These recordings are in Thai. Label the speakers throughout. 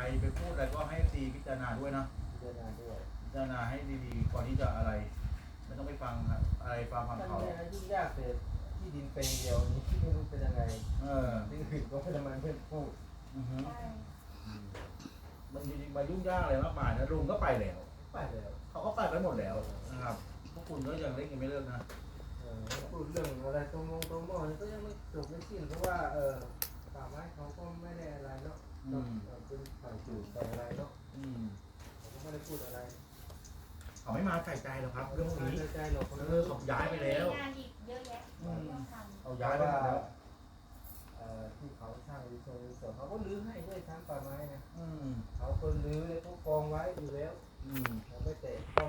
Speaker 1: ไปพูดอะไรก็ให้ตีพิจารณาด้วยนะ
Speaker 2: พิจารณาด้วย
Speaker 1: พิจารณาให้ดีๆก่อนที่จะอะไรไม่ต้องไปฟังอะไรฟัง
Speaker 2: มัน
Speaker 1: เขา
Speaker 2: เนี่ยยุ่งยากแต่ที่ดินเป็นเดียวนี้ที่ไม่รู้เป็นยังไงที่อื่นก็ไม่ทำไมเพื่อนพูด
Speaker 1: มันจริงๆมายุ่งยากอะไรมากมายนะลุงก็ไปแล้วเขาก็ไปหมดแล้วนะครับพวกคุณก็ยังเล่นกันไม่เลิกนะ
Speaker 2: พูดเรื่องอะไรตรงมอก็ยังไม่จบไม่สิ้นเพราะว่าป่าไม้เขาก็ไม่ได้อะไรเนาะเป็นฝ่ายจูดฝ่ายอะไรเนาะเขาก็ไม่ได้พูดอะไร
Speaker 1: เขาไม่มาใส่ใจหรอกครับเรื่องพวกนี้
Speaker 2: ใจหรอก
Speaker 1: เขาย้ายไปแล้ว
Speaker 3: งานอีกเยอะแยะ
Speaker 1: เขาย้ายไปแล้ว
Speaker 2: ที่เขาสร้างรีสอร์ทเขาก็รื้อให้ด้วยทั้งป่าไม้นะ
Speaker 1: อื
Speaker 2: เขาคนรื้อเลยเขากองไว้อยู่แล้วเขาไม่เตะต้อง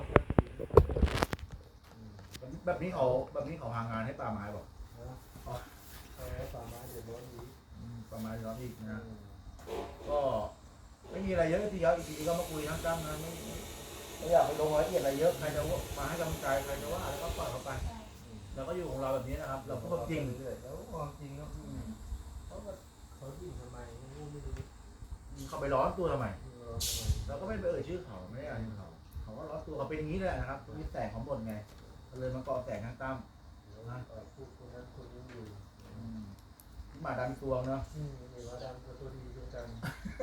Speaker 1: แบบนี้เขาหางานให้ป่าไม้บอก
Speaker 2: ป่าไม้เดือดร้อนอีก
Speaker 1: ป่าไม้เดือดร้อนอีกนะก็ไม่มีอะไรเยอะทีเดียวอีกทีก็มาคุยทั้งตั้มนะไม่อยากไปลงรายละเอียดอะไรเยอะใครจะมาให้กำลังใจใครจะว่าอะไรก็ปล่อยเขาไปเราก็อยู่ของเราแบบนี้นะครับเราก็จริง
Speaker 2: แล้วความจริงเนาะเขาดิ้นทำไมไม่รู้
Speaker 1: เขาไปร้อนตัวทำไมเราก็ไม่ไปเอ่ยชื่อเขาไม่ได้อะไรเขาก็ร้อนตัวเขาเป็นอย่างนี้แหละนะครับมีแสงของบทไงเลยมาเกาะแสงทางตั้ม
Speaker 2: พูดคนนั้นคนนี้อยู่
Speaker 1: หมาดำตัวเนาะ
Speaker 2: มีหมาดำตัวดีเหมือนกัน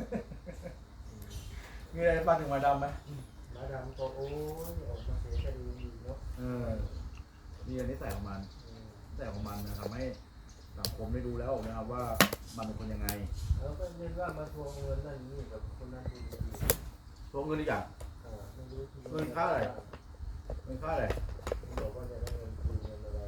Speaker 1: มีอะไรบ้างถึงหมาดำไหม
Speaker 2: หมาดำก็โอ้ยออกมาเสียคดีเนาะ
Speaker 1: นี่อันนี้ใส่ของมันนะทำให้สังคมได้ดูแล้วนะครับว่ามันเป็นคนยังไง
Speaker 2: แล้วก็เรียกว่ามาทวงเงินนั่นนี่กับคนนั้นดี
Speaker 1: ทวงเงินอีกอย่างเงินค่าอะไร
Speaker 2: บอกว่าจะได้เงินคืนเงินอะไร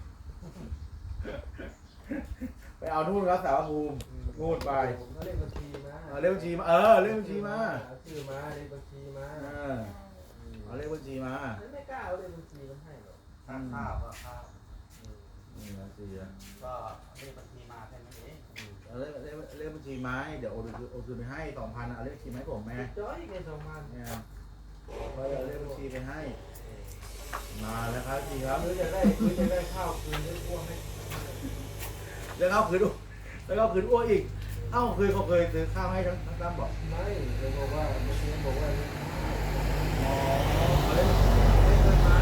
Speaker 1: ไปเอานู่นครับสาวภูมิงูดไป
Speaker 2: เลขบัญชีมา
Speaker 1: เลขบัญชีมาเลขบัญชีมา
Speaker 2: ชื่อมาเลขบัญชีมา
Speaker 1: เอาเลขบัญชีมา
Speaker 2: ไม่กล้าเอาเลขบัญชีมันให้หรอก
Speaker 4: ข้าว
Speaker 1: นี่บัญชี
Speaker 4: ก็เลขบัญชีมาแค่นั้นเอง
Speaker 1: เลขบัญชีไม้เดี๋ยวโอนคืนไปให้ 2,000เอาเลขบัญชีไม้ผมแม่
Speaker 2: จ้อยไง2,000
Speaker 1: เนี่ยเอาเลขบัญชีไปให้มาแล้วครับจริงครับ
Speaker 2: จะได้ข้าวคืนได้อ้วนไหม
Speaker 1: แล้วเขาคืนอ้วนอีกเขาเคยซื้อข้าวให้ทั้งตั้มบอก
Speaker 2: ไม่เลยบอกว่าเมื่อกี้บอกว่า
Speaker 1: เล่นเงินมา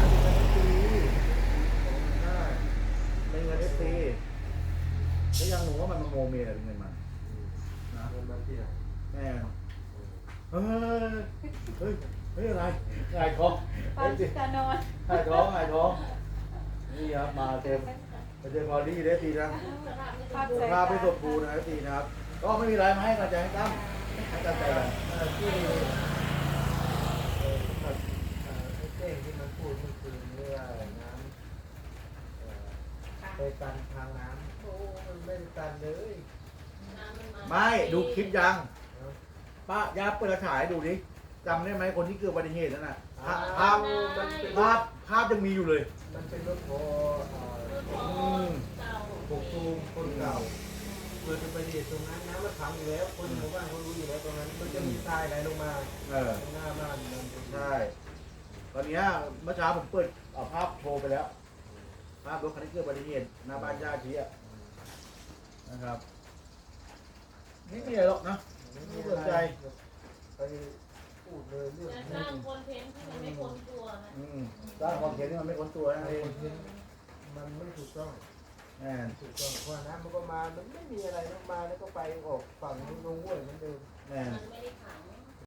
Speaker 1: เล่นเงินตีแล้วยังหนูว่ามันมาโมเมเป็นเงินมัน
Speaker 2: นะเงินมันที่ไหน
Speaker 1: แม่เฮ้ยอะไรหายท้อง
Speaker 3: ปาจิตานอน
Speaker 1: หายท้องนี่ครับมาเต็มพอดีได้ทีนะภาพไม่สมบูรณ์นะทีนะครับก็ไม่มีอะไรมาให้กำลังใจให้ตั้มให้กำลังใจกัน
Speaker 2: ที่เต้ที่มันพูดเมื่อคืนเรื่องน้ำไปตันทางน้ำโอ้มันไม่ได้ตันเลย
Speaker 1: ไม่ดูคลิปยังป้าย่าเปิดถ่ายดูดิจำได้ไหมคนที่เกิดอุบัติเหตุนั่นน่ะภาพยังมีอยู่เลย
Speaker 2: มันเป็นรถพอปกตูมคนเก่าเกิดอุบัติเหตุตรงนั้นน้ำมันขังอยู่แล้วคนหมู่บ้านเขารู้อยู่แล้วตรงนั้นมันจะมีทรายไหลลงมาตรงหน้าบ้าน
Speaker 1: ใช่ตอนนี้เมื่อเช้าผมเปิดเอาภาพโชว์ไปแล้วภาพรถคันที่เกิดอุบัติเหตุหน้าบ้านญาตินะครับนี่ไม่ใหญ่หรอกนะไม่สนใจ
Speaker 2: ไปพูดเลยเรื่อง
Speaker 3: สร้างคอนเทนต์ที่มันไม่พ้นตัวนะ
Speaker 1: สร้างคอนเทนต์ที่มันไม่พ้นตัวนะ
Speaker 2: มันไม่ถูกต้อง
Speaker 1: ถู
Speaker 2: กต้องเพราะน้ำมันก็มามันไม่มีอะไรลงมาแล้วก็ไปออกฝั่งลงห้วยเหมือนเดิม
Speaker 3: มันไม่ได้